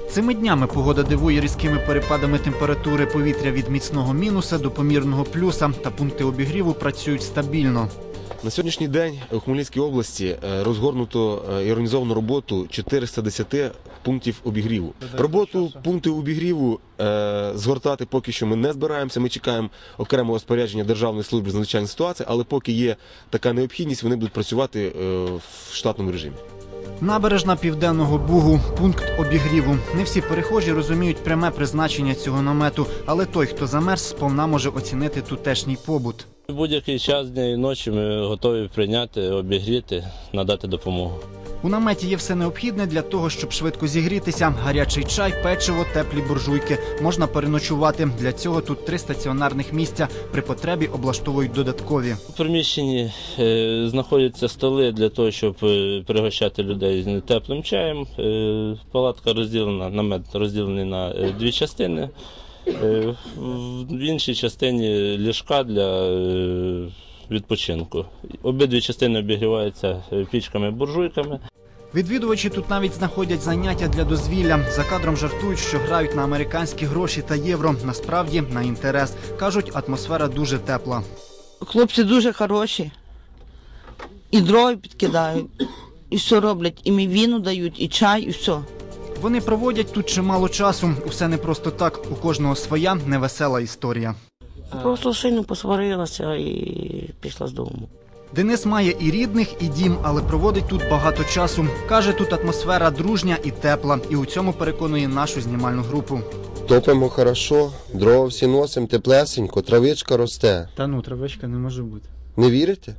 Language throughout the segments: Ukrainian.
Цими днями погода дивує різкими перепадами температури повітря від міцного мінуса до помірного плюса, та пункти обігріву працюють стабільно. На сьогоднішній день у Хмельницькій області розгорнуто і організовано роботу 410 пунктів обігріву. Роботу пунктів обігріву згортати поки що ми не збираємося, ми чекаємо окремого розпорядження Державної служби з надзвичайних ситуацій, але поки є така необхідність, вони будуть працювати в штатному режимі. Набережна Південного Бугу – пункт обігріву. Не всі перехожі розуміють пряме призначення цього намету, але той, хто замерз, сповна може оцінити тутешній побут. Будь-який час дня і ночі ми готові прийняти, обігріти, надати допомогу. У наметі є все необхідне для того, щоб швидко зігрітися. Гарячий чай, печиво, теплі буржуйки. Можна переночувати. Для цього тут 3 стаціонарних місця. При потребі облаштовують додаткові. У приміщенні знаходяться столи для того, щоб пригощати людей теплим чаєм. Палатка розділена, намет розділений на 2 частини. В іншій частині ліжка для відпочинку. Обидві частини обігріваються пічками-буржуйками. Відвідувачі тут навіть знаходять заняття для дозвілля. За кадром жартують, що грають на американські гроші та євро. Насправді на інтерес. Кажуть, атмосфера дуже тепла. Хлопці дуже хороші. І дров підкидають, і все роблять. І віну дають, і чай, і все. Вони проводять тут чимало часу. Усе не просто так. У кожного своя невесела історія. Просто сильно посварилася і пішла з дому. Денис має і рідних, і дім, але проводить тут багато часу. Каже, тут атмосфера дружня і тепла. І у цьому переконує нашу знімальну групу. Топимо хорошо, дрова всі носимо, теплесенько, травичка росте. Та ну, травичка не може бути. Не вірите?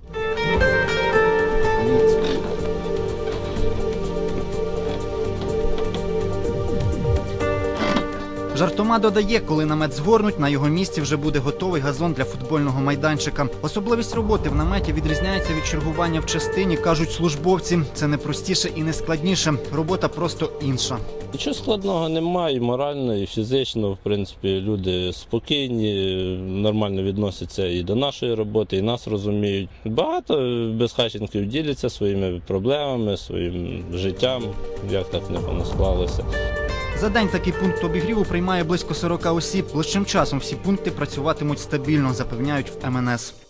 Жартома додає, коли намет згорнуть, на його місці вже буде готовий газон для футбольного майданчика. Особливість роботи в наметі відрізняється від чергування в частині, кажуть службовці. Це не простіше і не складніше. Робота просто інша. Нічого складного немає, і морально, і фізично. В принципі, люди спокійні, нормально відносяться і до нашої роботи, і нас розуміють. Багато безхатченків діляться своїми проблемами, своїм життям, як так не склалося. За день такий пункт обігріву приймає близько 40 осіб. Ближчим часом всі пункти працюватимуть стабільно, запевняють в МНС.